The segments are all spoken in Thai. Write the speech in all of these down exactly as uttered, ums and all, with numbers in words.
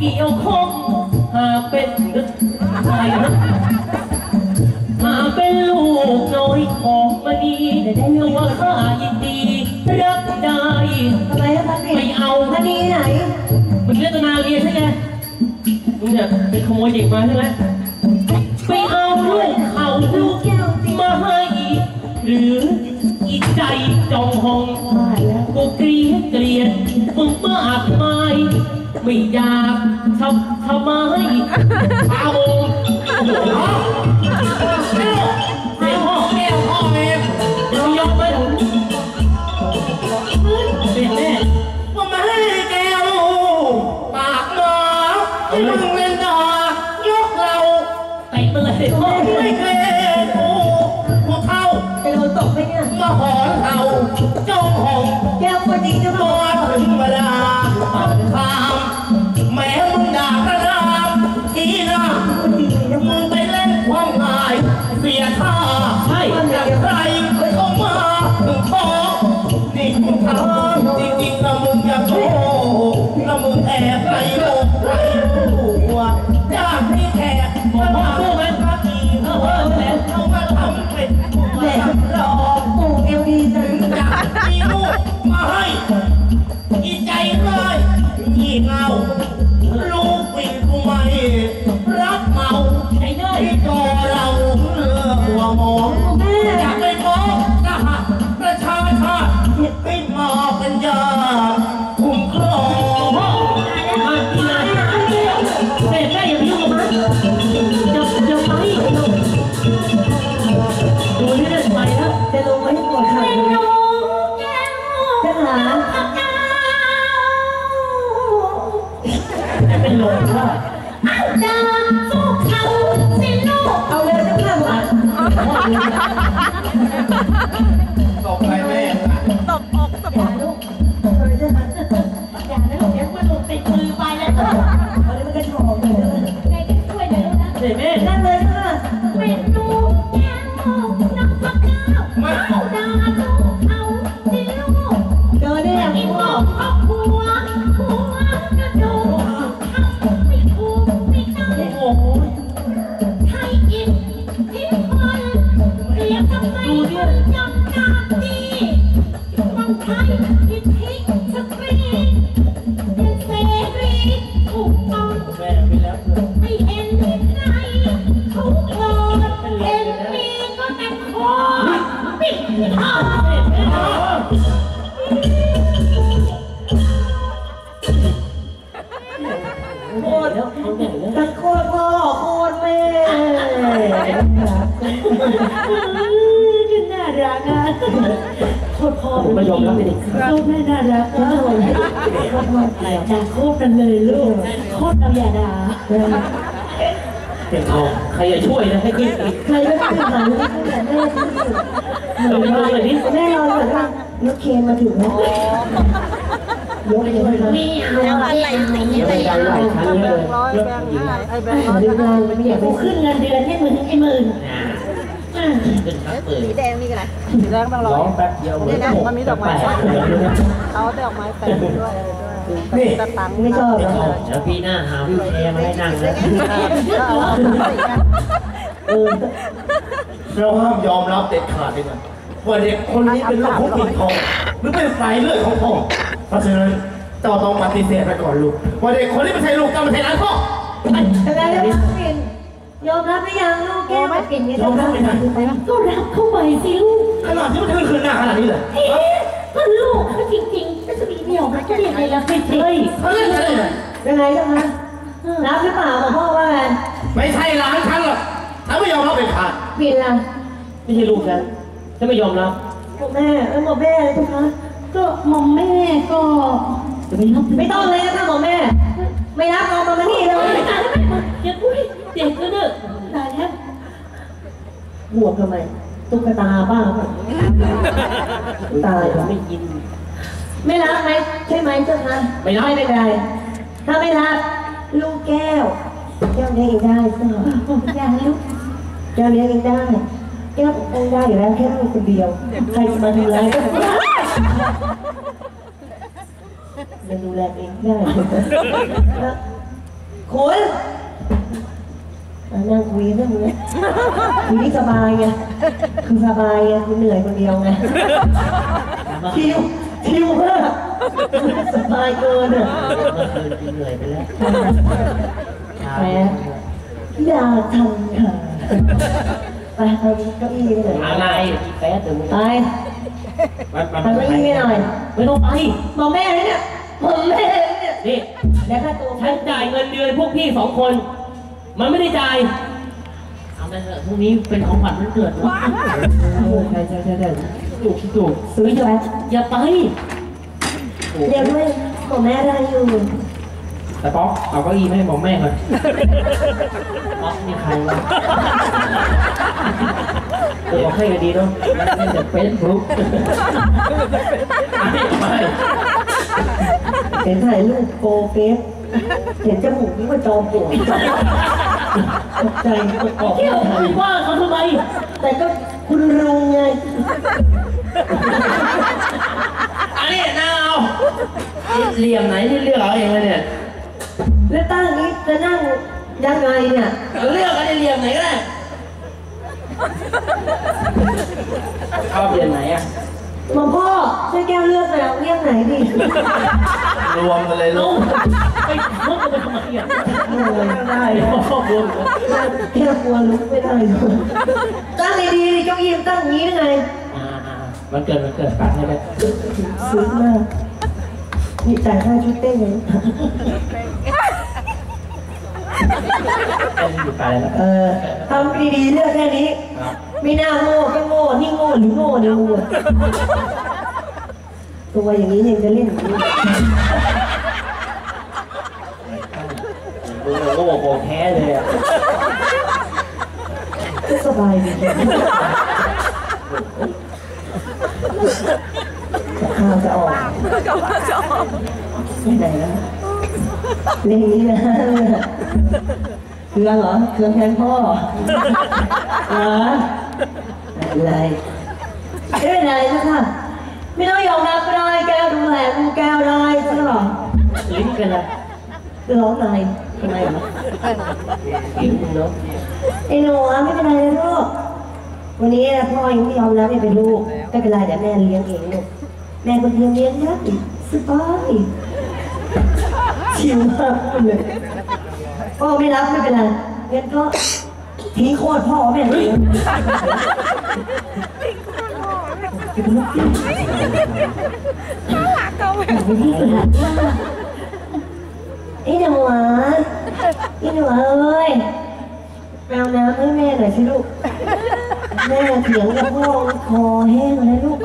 เกี่ยวข้องหากเป็นใครหากเป็นลูกน้อยของมณีตัวข้ายินดีรับได้ทำไมครับไม่เอามณีไหนมึงเล่นตนาเรียนใช่ไหมมึงเนี่ยเป็นขโมยเด็กมาใช่ไหมไปเอาลูกเขาลูกมาให้หรืออีใจจองหองกูเกลียดเกลียดมึงมากมายไม่อยากทำทำไมเอาโอ้โหเร็วเร็วพ่อแม่พ่อแม่เดี๋ยวยกไปเด็กแม่ว่ามาให้แกวปากหมาที่มึงเล่นดายกเราเตะไปเลยพ่อไม่เคยกูพวกเขาจะโดนตกไปเนี่ยมาหอนเขาเจ้าของแก้วคนดีจะมาถึงเวลาปากคามแม้มึงด่ากระดามทีนะมึงไปเล่นความงายเสียท่าใช่อย่างไรเข้ามาถึงท้องนี่คุณทำจริงๆนะมึงอย่าโง่นะมึงแอบไรโลกไรหัวอยากให้แขกมาว่าพวกมันพักดีเขาว่าแล้วเขามาทำเป็นแหลกหลอกกูเอวดีถึงอยากมีลูกมาให้อีใจเลยงี่เงาลูกวิ่งกูไม่รับเมาไอ้ได้ตัวเราเลือหัวหมองอยากไปมองทหารประชาชาติให้มาเป็นยาคุ้มครองมาที่ไหนแม่แม่อย่าไปยุ่งกับมันจะจะไปดูนี่ได้ไปแล้วจะลงไว้ให้หมดค่ะจะหาเป็นลมว่าดาสู้เขาสิลูกเอาเลยจะข้ามอ่ะตบไปแม่ตบอกตบลูกอย่านะลูกเดี๋ยวมันหลุดติดมือไปแล้วตอนนี้มันก็ชอบเลยแม่ก็ช่วยเดี๋ยวนะเดี๋ยวแม่นั่นเลยค่ะเป็นลูกแก้วน้องพักข้าวมาดาสู้เขาสิลูกเจอได้ยังพ่อครอบครัวหัวกระดูกไม่ถูกไม่ได้โอ้โหไทยอินพิมพลเรียกทำไมคุณจำหน้าดีบางไทยพิทิกสตรีเป็นเสรีถูกต้องไม่เห็นใครทุกคนเห็นมีก็แต่คอปิดทองโคตรแต่โคตรพ่อโคตรแม่น่ารักอ่ะโคตรพ่อไม่ยอมรับเลยโคตรแม่น่ารักอ่ะโคตรพ่ออะไรจ้าโคตรกันเลยลูกโคตรเอาอย่าด่าเป็นทองใครจะช่วยนะให้ขึ้นใครไม่ขึ้นหลังแต่แม่ขึ้นเราไปดูเลยดิแม่รอก่อนว่ารถเคนมาถึงแล้วยกเลยไม่เอาอะไรไม่ได้หลายครั้งเลยยกหญิงไอ้แบงค์ร้อยเดี๋ยวกูขึ้นเงินเดือนให้มึงไอ้หมื่นสีแดงนี่กันไรสีแดงบางร้อยแป๊บเดียวนี่นะมันมีดอกไม้เอาดอกไม้แปะด้วยนี่ตังไม่ชอบเดี๋ยวพี่หน้าหาพี่แชร์มาให้นั่งนะเราห้ามยอมรับเด็ดขาดเลยนะว่าเด็กคนนี้เป็นลูกของปิ่นทองหรือเป็นสายเลือดของพ่อเพราะฉะนั้นเจ้าต้องปฏิเสธไปก่อนลูกว่าเด็กคนนี้ไม่ใช่ลูกเจ้าไม่ใช่หลานพ่ออะไรนะปิ่นยอมรับหรือยังลูกแก้วปิ่นยอมรับไหมนะก็รับเข้าไปสิลูกขนาดที่มันคืนคืนหน้าขนาดนี้เลยก็ลูกเขาจริงๆก็จะมีเดี่ยวมันจะเรียกอะไรล่ะไม่ใช่เขาเรียกอะไรยังไงกันนะรับหรือเปล่าพ่อว่าไม่ใช่หลานฉันหรอกถ้าไม่ยอมรับเป็นขาดปิ่นล่ะไม่ใช่ลูกฉันฉันไม่ยอมรับบอกแม่เออบอกแม่เลยนะคะก็มอมแม่ก็ไม่ต้องเลยนะคะบอกแม่ไม่รับเอามาที่เลยตายแล้วไม่อย่าพูดเด็กก็เด้อตายแล้วห่วงทำไมตุ๊กตาบ้าตายไม่ยินไม่รับไหมใช่ไหมเจ้าคะไม่รับไม่เป็นไรถ้าไม่รับลูกแก้วแก้วเลี้ยงเองได้ใช่ไหมอย่างลูกแก้วเลี้ยงเองได้แก้วปกป้องได้อยู่แล้วแค่ลูกคนเดียวใครจะมาดูแลก็มันดูแลเองได้คุณมานั่งคุยเรื่องนี้คุยนี่สบายไงคือสบายไงคุณเหนื่อยคนเดียวไงชิวชิวมากสบายเกินอ่ะเมื่อคืนกูเหนื่อยไปแล้วแหมอยากทำค่ะไปทำเก้าอี้หน่อยอะไรแป๊ดเดี๋ยวมึงไปมันทำเก้าอี้ให้หน่อยไม่ต้องไปบอกแม่เลยเนี่ยบอกแม่เลยเนี่ยนี่แล้วค่าตัวฉันจ่ายเงินเดือนพวกพี่สองคน มันไม่ได้จ่ายเอาไปเถอะพรุ่งนี้เป็นของขวัญวันเกิดวะใช่ใช่ใช่ใช่ถูกถูกซื้อจะไปอย่าไปเดี๋ยวด้วยบอกแม่ได้อยู่แต่ป๊อกเอาเก้าอี้ไม่ให้บอกแม่ก่อนป๊อกนี่ใครวะเดี๋ยวบอกให้ก็ดีเนาะมันเป็นแต่เฟซบุ๊กไม่ไปเห็นถ่ายรูปโกเฟสเห็นจมูกนี่ว่าจอมปลวกตกใจตกออกเที่ยวคุยว่าเขาทำไมแต่ก็คุณลุงไงอันนี้น่าเอาเหลี่ยมไหนที่เลือกเอาเองเลยเนี่ยแล้วตั้งนี้จะนั่งยังไงเนี่ยเลือกกันในเหลี่ยมไหนก็ได้ชอบเหลี่ยมไหนอ่ะหลวงพ่อช่วยแก้วเลือกหน่อยเรียกไหนดีรวมกันเลยลูลูกกไปมุกกันไปทำไมอ่ะโอ้ยได้เดี๋ยวแล้วพ่อรวมแค่กลัวลุกไม่ได้เลยตั้งดีๆเจ้ายิ้มตั้งอย่างนี้ได้ไงอ่ามันเกิดมันเกิดปัดให้ได้ซื้อมากนี่จ่ายค่าชุดเต้นยังเป็นอยู่ไปแล้วเออทำดีๆเลือกแค่นี้ไม่น่าโง่ก็โง่นี่โง่หรือโง่เนี่ยโง่ตัวอย่างนี้ยังจะเล่นอย่างนี้มึงโง่โกแพ้เลยอ่ะก็สบายดีข้าวจะออกไม่ไหนแล้วเล่นนี้นะเครื่องเหรอเครื่องแทนพ่อเหรออะไรไม่เป็นไรนะคะไม่ต้องยอมรับก็ได้แก้วดูแลดูแก้วได้ใช่หรอลิ้นเป็นอะไรร้องอะไรทำไมเหรอลิ้นเนาะไอ้หนูไม่เป็นไรนะลูกวันนี้พ่อยังไม่ยอมรับให้เป็นลูกไม่เป็นไรเดี๋ยวแม่เลี้ยงเองลูกแม่คนเดียวเลี้ยงนะสบายชิวมากเลยพ่อไม่รับไม่เป็นไรงั้นก็ทิ้งโคตรพ่อแม่เลี้ยงไอ้หนูอ่ะไอ้หนูเอ้ยแปลน้ำให้แม่หน่อยสิลูกแม่เถียงกับพ่อคอแห้งเลยลูก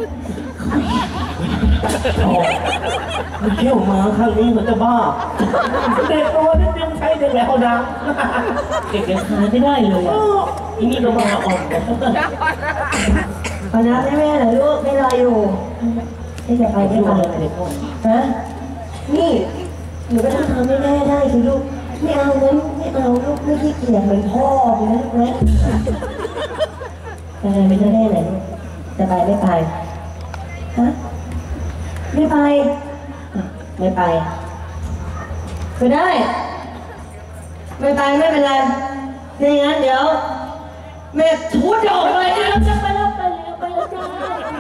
มันเที่ยวมาครั้งนี้มันจะบ้าเด็กตัวนิดนึงใช้เด็กแล้วนะเด็กยังทานไม่ได้เลยอ่ะอีนี่ก็มาอ่อนขอน้ำให้แม่หน่อยลูกไม่รออยู่ไม่จะไปไม่ไปฮะนี่หนูก็ต้องทำให้แม่ได้สิลูกไม่เอานะลูกไม่เอาลูกไม่ขี้เกียจเหมือนพ่อเลยนะลูกนะไปไม่ได้ไหนลูกจะไปไม่ไปฮะไม่ไปไม่ไปไม่ได้ไม่ไปไม่เป็นไรไม่งั้นเดี๋ยวแม่ทุดออกไปนะจะไปแล้วไปแล้วไปแล้วจ้า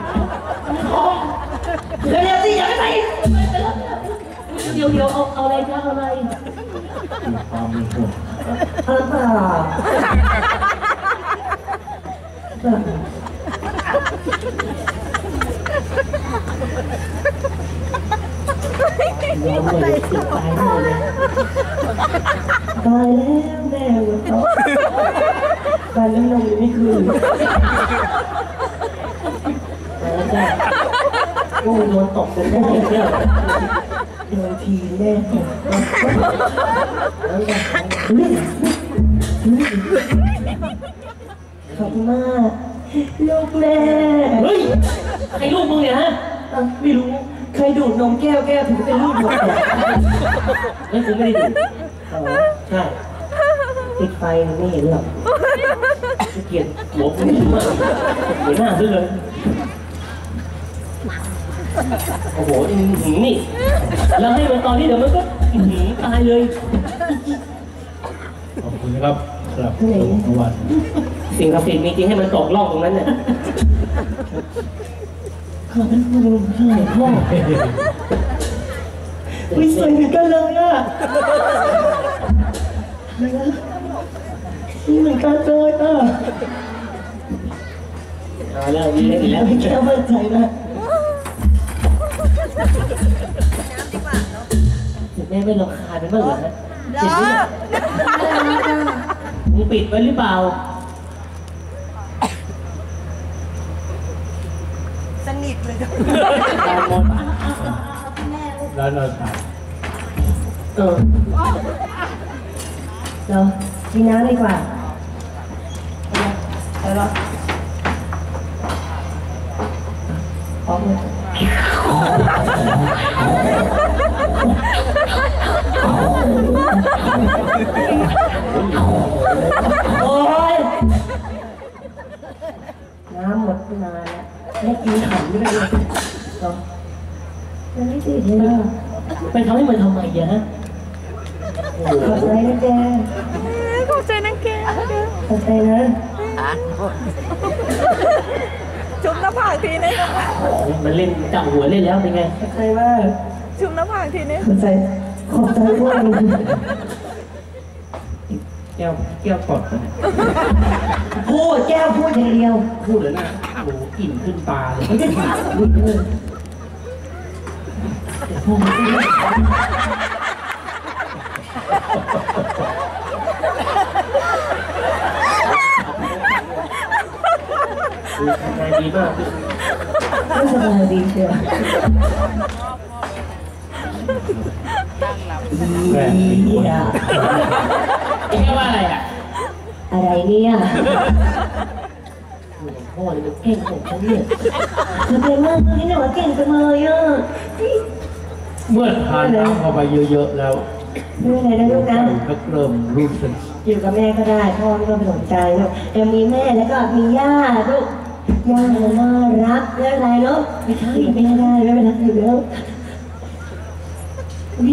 เร็วๆสิอย่าไปไปแล้วเดี๋ยวเดี๋ยวเอาเอาอะไรจ้าเอาอะไรเอาเปล่าย้อนเลยติดตายเลยตายแล้วแม่เลยเขาการน้ำนมยังไม่คืนแล้วจ้ะโอ้ยโดนตกเป็นได้เนี่ยโดนทีแม่ตกแล้วจ้ะขอบคุณมากลูกแม่เฮ้ยใครลูกมึงเนี่ยฮะไม่รู้ใครดูดนมแก้วแก้วถึงเป็นลูกหมดเลยไม่กูไม่ได้ดูใช่ติดไฟไม่เห็นหรอกเกลียดหัวกูมากหัวหน้าซะเลยโอ้โหหืมนี่แล้วให้มันตอนนี้เดี๋ยวมันก็หืมตายเลยคุณนะครับสำหรับที่ไหนรางวัลสิ่งศักดิ์สิทธิ์มีจริงให้มันตกล่องตรงนั้นเนี่ยขอบคุณคุณค่ะพ่อวิสวยเหมือนกันเลยอ่ะนี่เหมือนกันเลยอ่ะเอาเรื่องนี้ได้อีกแล้วไม่แค่มั่นใจนะแม่ไม่รำคาญเป็นบ้างเหรอฮะเจ็บเนี่ยมึงปิดไว้หรือเปล่าสนิทเลยแล้วเราถ่ายเออเรากินน้ำดีกว่าไปหรอพร้อมเลยโอ้ยน้ำหมดนานแล้วไม่กินขำด้วยเลยเหรอมันไม่ติดเลยอ่ะไปทำให้มันทำไมอะฮะขอบใจนะแกขอบใจนะแกขอบใจนะจุ๊บหน้าผากทีนึงมันเล่นจับหัวเล่นแล้วเป็นไงขอบใจมากจุ๊บหน้าผากทีนึงขอบใจขอบใจด้วยแก้วแก้วกดพูดแก้วพูดอย่างเดียวพูดเลยนะโอ้กลิ่นขึ้นตาเลยไม่ได้ถามพูดเลยพูดไม่ได้ทำงานดีมากไม่สบายดีเชียวแม่เป็นคนอ่ะเอ๊ะว่าอะไรอ่ะอะไรเนี่ยพ่อเนี่ยมันเก่งของฉันเนี่ยขอบใจมากที่หนูเก่งจังเลยอ่ะเมื่อทานน้ำเข้าไปเยอะๆแล้วไม่เป็นไรนะลูกนะก็เริ่มรู้สึกอยู่กับแม่ก็ได้พ่อไม่ต้องไปสนใจลูกยังมีแม่แล้วก็มีย่าลูกย่าน่ารักเรื่องอะไรลูกไม่ใช่ไม่ได้ไม่เป็นไรอยู่แล้วอุ๊ย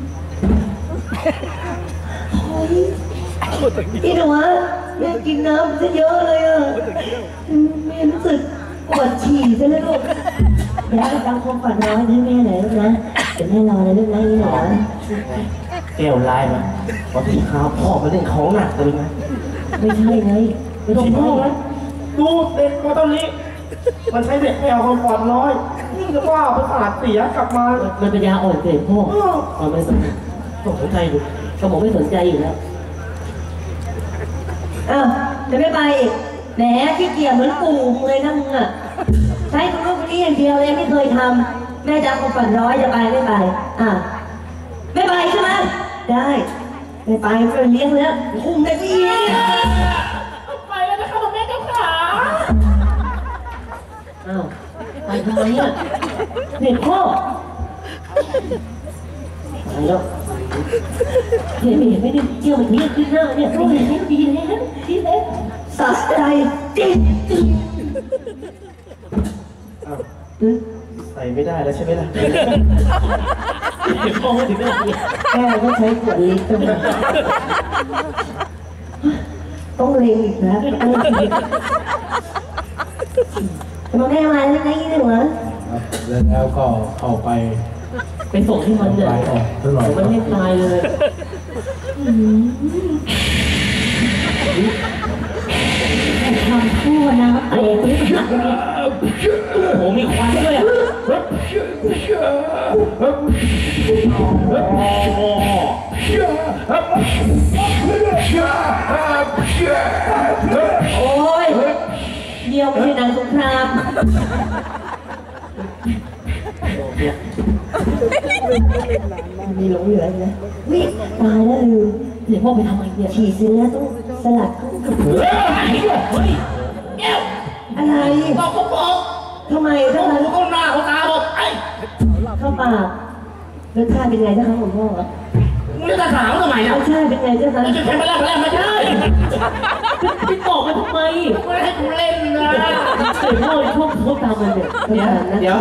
โอ้ยพี่หนูอะแม่กินน้ำซะเยอะเลยอ่ะแม่รู้สึกปวดฉี่ซะแล้วลูกเดี๋ยวดังคงฝันร้อนให้แม่หน่อยลูกนะเดี๋ยวแม่รอนะลูกนะนี่หนูแก้วลายมาพอที่ข้าวพ่อมาเล่นของหนักเลยไหมไม่ใช่ไงไม่ต้องพ่อนะดูเด็กมาตอนนี้ มันใช้เด็กแมวความปลอดน้อยนี่ก็ว่าประสาทเสียกลับมามันเป็นยาอ่อนเกินพ่อเอาไม่สนต้องสนใจดูสมองไม่สนใจอยู่แล้วอ้าวจะไม่ไปอีกแหมขี้เกียจเหมือนปู่มึงเลยนะมึงอ่ะใช้ตัวลูกนี้อย่างเดียวเลยไม่เคยทำแม่จะเอาคนฝันร้อยจะไปไม่ไปอ่ะไม่ไปใช่ไหมได้ไม่ไปไม่เลี้ยงแล้วคุมได้พี่ไปแล้วนะคะคุณแม่เจ้าขาอ้าวไปทำไมอ่ะเด็กพ่อไปแล้วเห็นไม่เห็นไม่ได้เจียวมันเนี้ยขึ้นหน้าเนี่ยไม่เห็นไม่ดีแล้วดีแล้วสะใจจริงอ้าวใส่ไม่ได้แล้วใช่ไหมล่ะเด็กพ่อไม่ถึงได้เนี่ยแม่ต้องใช้ขวดลิตรต้องต้องเล็งอีกนะต้องเล็งอีกมาแม่มาแล้วนะยี่หนึ่งเหรอแล้วก็เข้าไปไปส่งให้มันเนี่ยไปออกตลอดมันไม่ตายเลยทำคู่นะเตะไปหักเลยโอ้โหมีควันด้วยอ่ะโอ้ยเดียวไม่ใช่นางสงครามมีหลงเหลืออีกนะวิตายแล้วลืมเดี๋ยวพ่อไปทำไมเนี่ยฉีดเสร็จแล้วต้องสลัดเข้ากับเฮ้ยแก้วอะไรบอกเขาบอกทำไมเขาถ้าหูมันเขาหน้าเขาตาบอกไอ้เข้าปากรสชาติเป็นไงเจ้าคะผมพ่อมึงจะถามทำไมรอ่ะสชาติเป็นไงเจ้าคะมึงจะแทงไปแล้วไปแล้วไม่ใช่ไปบอกมันทำไมไม่ให้กูเล่นนะเดี๋ยวพ่อชอบเขาตามมันเนี่ยเดี๋ยว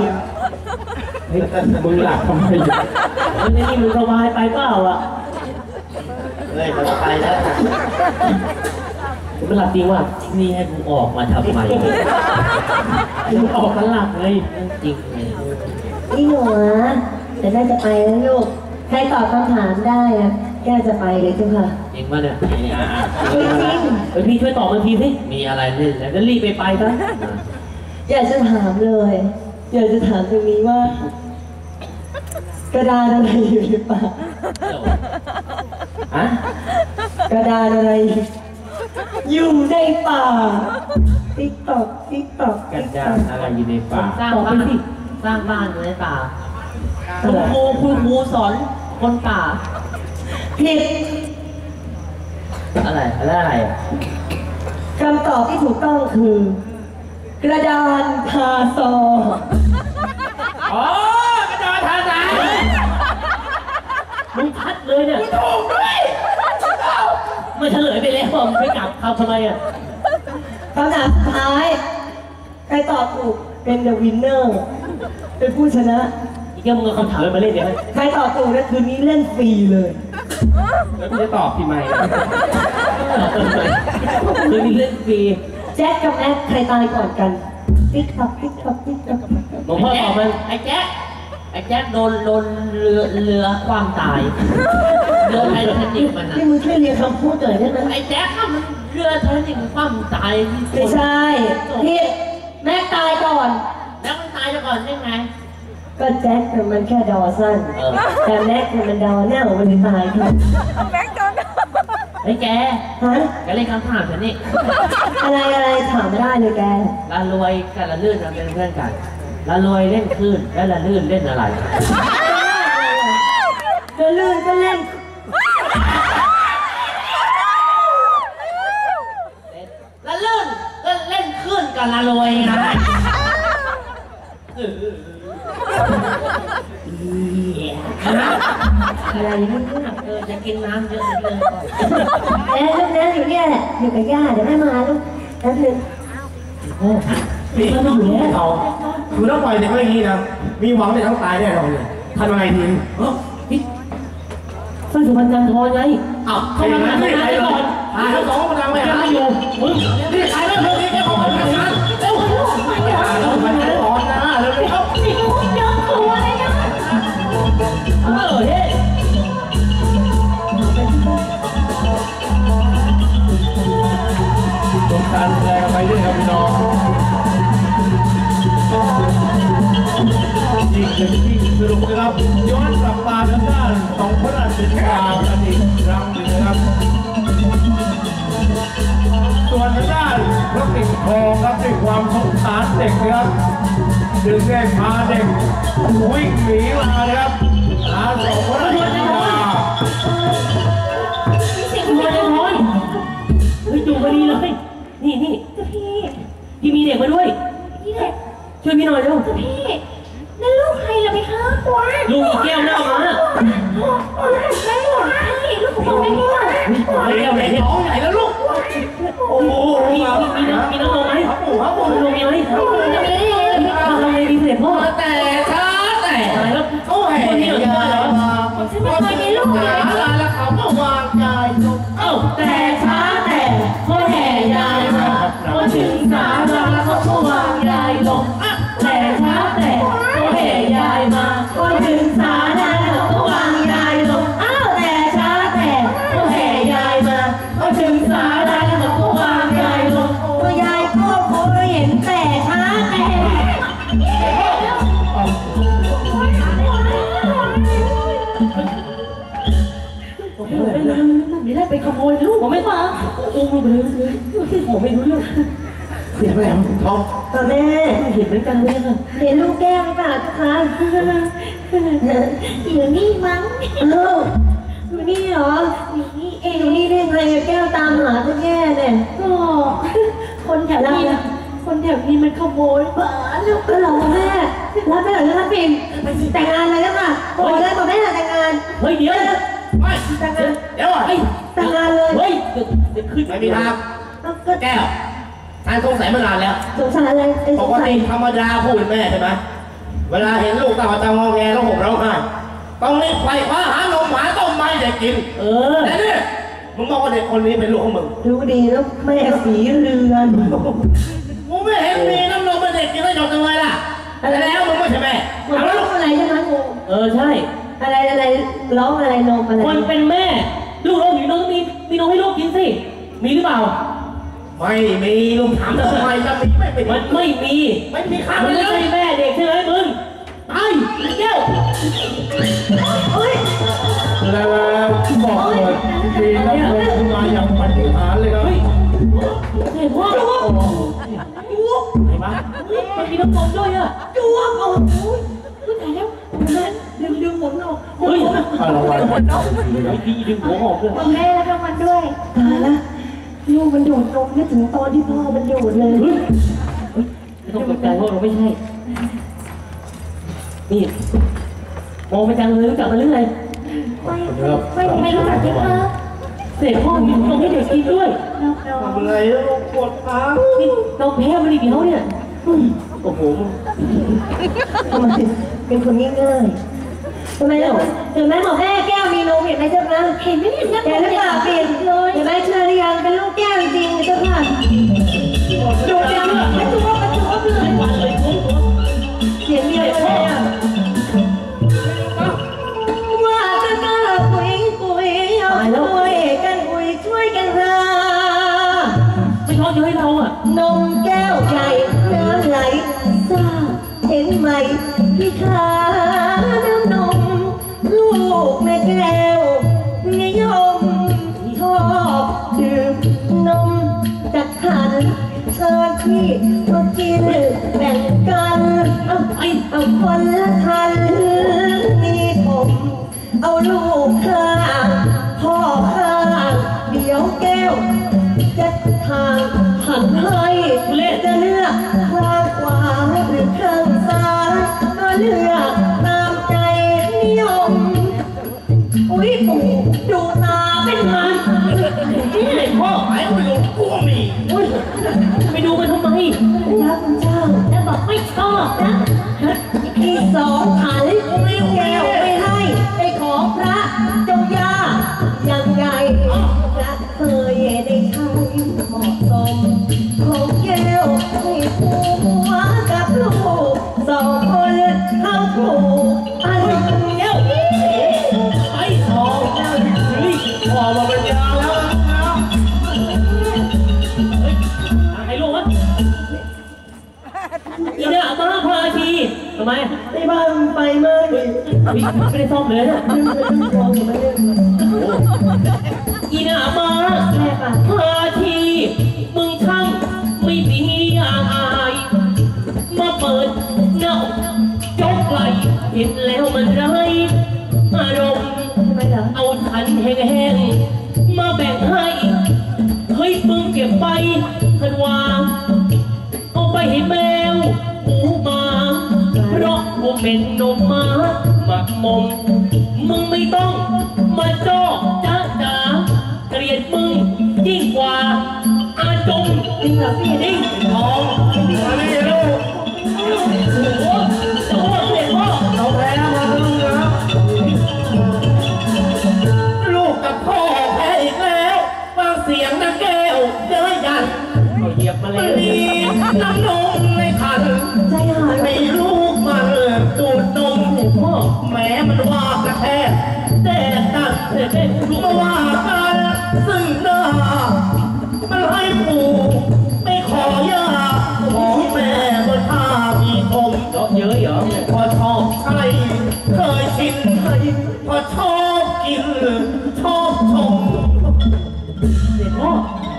เฮ้ยมึงหลับทำไมอยู่มันนี่มึงสบายไปเปล่าอ่ะเฮ้ยเราจะไปแล้วผมเป็นหลับจริงว่ะนี่ให้กูออกมาทำไมกูออกกันหลับเลยจริงเลยนี่หนูอะแต่น่าจะไปแล้วลูกใครตอบคำถามได้อะแก้วจะไปเลยเจ้าค่ะจริงป่ะเนี่ยจริงเฮ้ยพี่ช่วยตอบมาทีสิมีอะไรเล่นแล้วก็รีบไปไปซะอยากจะถามเลยอยากจะถามตรงนี้ว่า กระดานอะไรอยู่ในป่าฮะกระดานอะไร อยู่ในป่าติ๊กตอกติ๊กตอกกันดารอะไรอยู่ในป่าสร้างบ้านสร้างบ้านอยู่ในป่าคุอะไรณครูคุณครูสอนคนป่าผิดอะไรอะไรอะไรอ่ะคำตอบที่ถูกต้องคือ กระดานทาซออ๋อกระดานทาสายมึงชัดเลยเนี่ยถูกด้วยมันเฉลยไปแล้วมึงไม่กลับคำทำไมอ่ะคำถามสุดท้ายใครตอบถูกเป็นเดอะวินเนอร์เป็นผู้ชนะอีกแค่มึงเอาคำถามมาเล่นเดี๋ยวใครตอบถูกนะคืนนี้เล่นฟรีเลยแล้วกูจะตอบพี่ไม่คือนี่เล่นฟรีแจ็คกับแอ๊กใครตายก่อนกันติ๊กตอกติ๊กตอกติ๊กตอกหลวงพ่อตอบมันไอ้แจ๊คไอ้แจ๊คโดนโดนเรือเรือความตายเรือไททานิคมันอ่ะนี่มึงช่วยเรียนคำพูดหน่อยได้ไหมไอ้แจ๊คอะมันเรือไททานิคมันความตายไม่ใช่ผิดแม็กตายก่อนแล้วมันตายไปก่อนได้ไงก็แจ็คน่ะมันแค่ดอสั้นเออแต่แม็กน่ะมันดอหน้าของมันเลยตายครับแม็กโดนไอ้แกฮะแกเล่นคำถามฉันนี่อะไรอะไรถามไม่ได้เลยแกละรวยกับละลื่นมันเป็นเพื่อนกันละรวยเล่นคลื่นและละลื่นเล่นอะไรก็ลื่นก็เล่นละลื่นก็เล่นคลื่นกับละรวยไงอะไรนี่เออจะกินน้ำเยอะเลยเอ๊ะลูกนะอยู่เนี่ยแหละอยู่กับย่าเดี๋ยวแม่มาลูกแป๊บนึงนี่ก็ต้องอยู่ที่เขาคือถ้าปล่อยเด็กไว้อย่างนี้นะมีหวังเด็กต้องตายแน่นอนเลยทำยังไงดีเออพี่สร้อยสุพรรณจันทร์ทองไงอ้าวใครมาไม่ใครก่อนหาทั้งสองกำลังไปหาอยู่มึงนี่ใครไม่เคยนี่แค่ของมันกันนะเร็วหาแล้วมันจะร้อนนะเร็วๆเออเฮ้ยสงการแรงไปด้วยครับพี่น้องอีกหนึ่งที่สรุปนะครับย้อนกลับมาทางด้านของพระราชทานกันอีกครั้งหนึ่งนะครับส่วนทางด้านพระปิ่นทองครับด้วยความสงสารเด็กนะครับจึงได้พาเด็กวิ่งหนีมานะครับหาสองพระราชทานเสียงมันเลยน้อยเฮ้ยอยู่พอดีเลยนี่นี่พี่พี่มีเด็กมาด้วยพี่เด็กช่วยพี่หน่อยเร็วพี่นั่นลูกใครล่ะพี่คะว้าลูกอีแก้วหน้ามานั่นหลานพี่ลูกของพี่เนี่ยตายแล้วไหนเนี่ยน้องใหญ่แล้วลูกโอ้โหมีมีน้ำมีน้ำนมไหมครับปู่ครับปู่น้ำนมมีไหมทำไมดีเสด็จพ่อแต่ช้าแต่ตายแล้วเขาแห่คนนี้เหรอพ่อเหรอฉันไม่เคยมีลูกเลยแล้วเขาก็วางใจลงเอ้าแต่ช้าแต่พ่อแห่ยายมาพอถึงสาราเขาก็วางยายลงแต่ช้าแต่พ่อแห่ยายมาพอถึงสาราเขาก็วางยายลงอ้าวแต่ช้าแต่พ่อแห่ยายมาพอถึงสาราเขาก็วางยายลงตัวยายก็คงเห็นแต่ช้าแต่ไม่ได้ไปขโมยลูกผมไม่มาอุ้มลูกไปเลยผมไม่รู้เรื่องเสียงแหลมทองต่อแม่เห็นเหมือนกันเลยค่ะเห็นลูกแก้วหรือเปล่าทุกคะอยู่นี่มั้งเอ้าอยู่นี่เหรออยู่นี่เองอยู่นี่ได้ไงแก้วตามหาทุกแย่เนี่ยก็คนแถวนี้คนแถวนี้มันขโมยบ้าลูกก็หรอแม่รับไปหน่อยนะปิ่นแต่งงานเลยนะค่ะบอกเลยบอกแม่แต่งงานเฮ้ยเดี๋ยวไม่แต่งงานเดี๋ยวเฮ้ยแต่งงานเลยเฮ้ยเดี๋ยวขึ้นไม่มีทางก็แก้วทานสงสัยมานานแล้วสงสารอะไรไอ้สปงกสัยติธรรมดาผู้เป็นแม่ใช่ไหมเวลาเห็นลูกตาตางอแงแล้วผมร้องไห้ต้องรีบไปคว้าหานมหาต้มไม้เด็กกินเออแต่นี่มึงบอกว่าเด็กคนนี้เป็นลูกของมึงรู้ดีแล้วแม่สีเรือนมึงไม่เห็นมีน้ำนมเป็นเด็กกินได้หยดจังเลยล่ะแต่แล้วมึงไม่ใช่แม่มันเอาร้ลูอก งอะไรใช่ไหมงูเออใช่อะไรอะไรร้องอะไรนมอะไรคนเป็นแม่ลูกเราอยู่น้องมีมีน้องให้ลูกกินสิมีหรือเปล่าไม่มีลุงถามทำไมจะมีไม่เป็นมันไม่มีไม่มีข้าวมันเลไม่ยใช่แม่เด็กใช่ไหมมึงตายแก้วเฮ้ยแล้วบอกเลยมีน้ำนมขึ้นมาอย่างปฏิหารย์เลยครับเฮ้ยเห็นพ่อจุ๊บเห็นปะมันมีน้ำนมด้วยอ่ะจุ๊บโอ้โหตายแล้วดึงดึงหมุนออกเฮ้ยอะไรวะดีดึงหัวออกเลยคุณแม่แล้วก็มันด้วยตายแล้วลูกมันดูดนมนึกถึงตอนที่พ่อมันดูดเลยเฮ้ยไม่ต้องตกใจเพราะเราไม่ใช่นี่มองไปจังเลยรู้จักมันหรือไงไม่ไม่ไม่รู้จักที่คะเสร็จพ่อมีนมให้เด็กกินด้วยน้องน้องทำไงแล้วลูกปวดขานี่นมแพ้มันอีกแล้วเนี่ยโอ้โหทำไมเป็นคนง่ายๆทำไมล่ะถึงแม้บอกแม่แก้วมีนมเห็นไหมเจ้าคะเห็นไหมเนี่ยแกหรือเปล่าเปลี่ยนเลยเห็นไหมเชื่อหรือยังเป็นลูกแก้วจริงๆเจ้าค่ะดูจังกระจุกกระจุกเลยวันเลยคุ้มตัวเสียงเดียวเลยอ่ะว่าจะกล้าคุยคุยเอาช่วยกันคุยช่วยกันหาไม่ชอบจะให้เราอ่ะนมแก้วใหญ่น้ำไหลซ่าเห็นไหมพี่ขาน้ำนมลูกแม่แก้วนิยมชอบดื่มนมจากขันเชิญพี่มากินแบ่งกันเอาไอเอาคนละทันนี่ผมเอาลูกข้างพ่อข้างเดี๋ยวแก้วจะทางหันให้จะเลือกข้างขวาหรือข้างซ้ายก็เลือกตามใจนิยมอุ้ยปู่ดูตาเป็นมันนี่เด็กพ่อหายไปลูกกลัวมีอุ้ยไปดูมันทำไมรักคุณเจ้าแล้วบอกไม่ชอบนะที่สองขันแก้วไม่ให้ไปขอพระเจ้าย่ายังไงพระเคยได้ใช้เหมาะสมของแก้วให้ผัวกับลูกสองคนเข้าผูกอันเดียวไอ้ทองเฮ้ยพอมาเป็นยาแล้วนะไอ้ลูกวะอีเนี่ยมาพาทีทำไมในบ้านไปไหมไม่ได้ซ่อมเลยเนี่ยดึงไปดึงคออยู่ไม่ได้อีเนี่ยมาแม่ป่ะพาทีมึงช่างไม่มีอายมาเปิดเงายกไหลเห็นแล้วมันไรอารมณ์ทำไมเหรอเอาขันแห้งๆมาแบ่งให้เฮ้ยมึงเก็บไปทันวางเอาไปให้แมวหมูมาเพราะว่าเป็นนมม้าหมักมมมึงไม่ต้องมาจ้อจ้าจ๋าเกลียดมึงยิ่งกว่าอาจงจริงเหรอพี่ยิ่งทองมานี่ลูกโอ้โหโอ้โหเด็กพ่อเราแพ้มาลูกนะลูกกับพ่อแพ้อีกแล้วฟังเสียงนะแก้วเย้ยยันเขาเหยียบมามัแล้นวมีน้ำนมในขันใจหายให้ลูกมันดูดนมพ่อแม้มันว่ากระแทกแต่กันเด็กเด็กลูกมาว่ากันซึ่งหน้ามันให้ปู่ไม่ขอยาของแม่บนท่ามีคมเยอะเยอะเหรอพอชอบใช่เคยชินพอชอบกินชอบชมเด็กพ่อ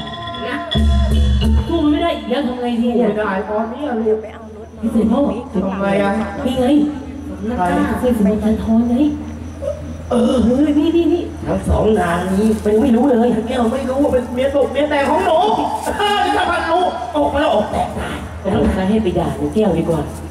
สู้มันไม่ได้แล้วทำไงดีเนี่ยไม่ได้ตอนนี้เรียกพี่เสด็จพ่อทำไงอ่ะนี่ไงใครเส้นสมุนจันทรไงเออเฮ้ยนี่นี่นี่ทั้งสองนางนี้เป็นไม่รู้เลยแก้วไม่รู้ว่าเป็นเมียตกเมียแต่ของหนูถ้าพันรู้ออกมาแล้วออกแตกตายแต่ต้องใช้ให้ไปด่าหนูแก้วดีกว่าไ